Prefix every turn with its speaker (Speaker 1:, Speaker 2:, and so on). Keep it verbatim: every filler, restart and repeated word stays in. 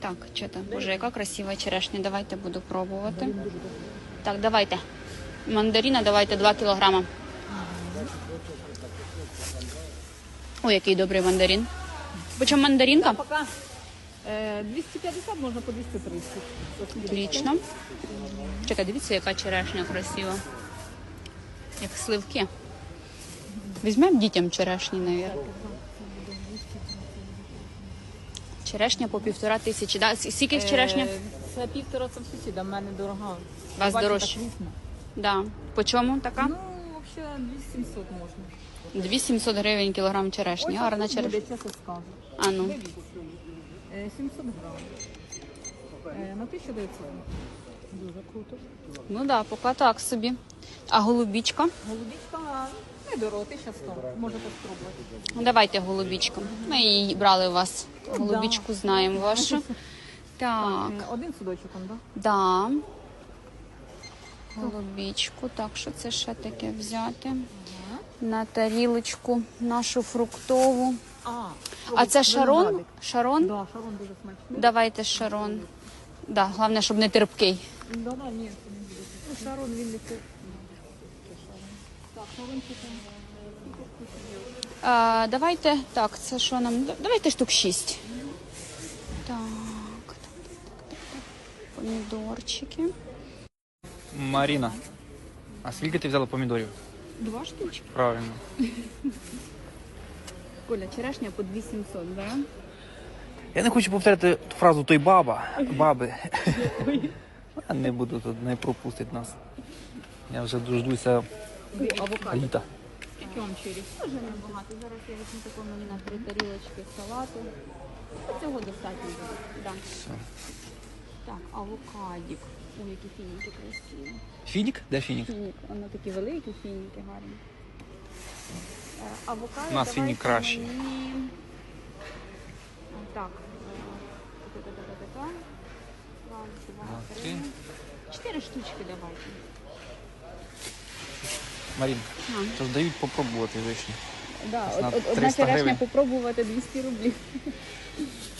Speaker 1: Так, що там? Боже, яка красива черешня. Давайте буду пробувати. Так, давайте. Мандарина давайте два кілограма. Ой, який добрий мандарин. Почем мандаринка?
Speaker 2: Пока е, двісті п'ятдесят, можна по двісті тридцять.
Speaker 1: Отлично. Чекай, дивіться, яка черешня красива. Як сливки. Візьмемо дітям черешні, мабуть. Черешня по півтора тисячі. Да? Скільки черешня?
Speaker 2: Е, Це півтора це в сусіда, в мене дорога.
Speaker 1: У вас
Speaker 2: Бачите,
Speaker 1: дорожче?
Speaker 2: так вісно.
Speaker 1: Да. По чому така?
Speaker 2: Ну, взагалі, двісті сімсот можна.
Speaker 1: дві сімсот гривень кілограм черешні. Гарна
Speaker 2: Ось
Speaker 1: черешня.
Speaker 2: буде, чесно скажу.
Speaker 1: А ну.
Speaker 2: Е, сімсот грам. Е, на тисячу дев'ятсот. Дуже круто.
Speaker 1: Ну так, да, поки так собі. А голубічка?
Speaker 2: Голубічка недорого, тисяча сто. Можете спробувати.
Speaker 1: Ну, давайте голубічку. Ми її брали у вас. Голубічку знаємо вашу. Так,
Speaker 2: Е, Один судочок, он, да?
Speaker 1: да. Голубічку. Так, що це ще таке взяти? На тарілочку нашу фруктову.
Speaker 2: А,
Speaker 1: А це шарон?
Speaker 2: виноградик.
Speaker 1: Шарон?
Speaker 2: Да, шарон дуже смачний.
Speaker 1: Давайте шарон. Да, головне, щоб не терпкий.
Speaker 2: Да, да, ні, це не буде. Ну, шарон він не це. Так, шарон чи там?
Speaker 1: А, давайте, так, це що нам? Давайте штук шість. Так, так, так, так, так. Помідорчики.
Speaker 3: Маріна, а скільки ти взяла помідорів?
Speaker 1: Два штучки.
Speaker 3: Правильно.
Speaker 1: Коля, черешня по дві сімсот, да?
Speaker 3: Я не хочу повторяти ту фразу той баба, баби. Я не буду тут, не пропустить нас. Я вже дождуся
Speaker 2: Авокадо.
Speaker 3: літа.
Speaker 2: Які вам чирі?
Speaker 1: Дуже небагато. Зараз я візьму такому на три тарілочки салату. Цього достатньо буде. Да.
Speaker 3: Все.
Speaker 1: Так, авокадік. Ой, які фініки красиві.
Speaker 3: Фінік? Де фінік?
Speaker 1: Фінік, воно такі великі фініки гарні. Е, Авокадо.
Speaker 3: У нас
Speaker 1: давайте
Speaker 3: фінік кращий.
Speaker 1: мені- Так. е, та-та-та-та-та. Раз, два,
Speaker 3: Два,
Speaker 1: три.
Speaker 3: три.
Speaker 1: Чотири штучки давайте.
Speaker 3: Марін,
Speaker 1: А.
Speaker 3: то ж дають попробувати вишні.
Speaker 1: Да,
Speaker 3: Ось на
Speaker 1: од- од- одна
Speaker 3: триста
Speaker 1: черешня
Speaker 3: гривень.
Speaker 1: попробувати двісті рублів.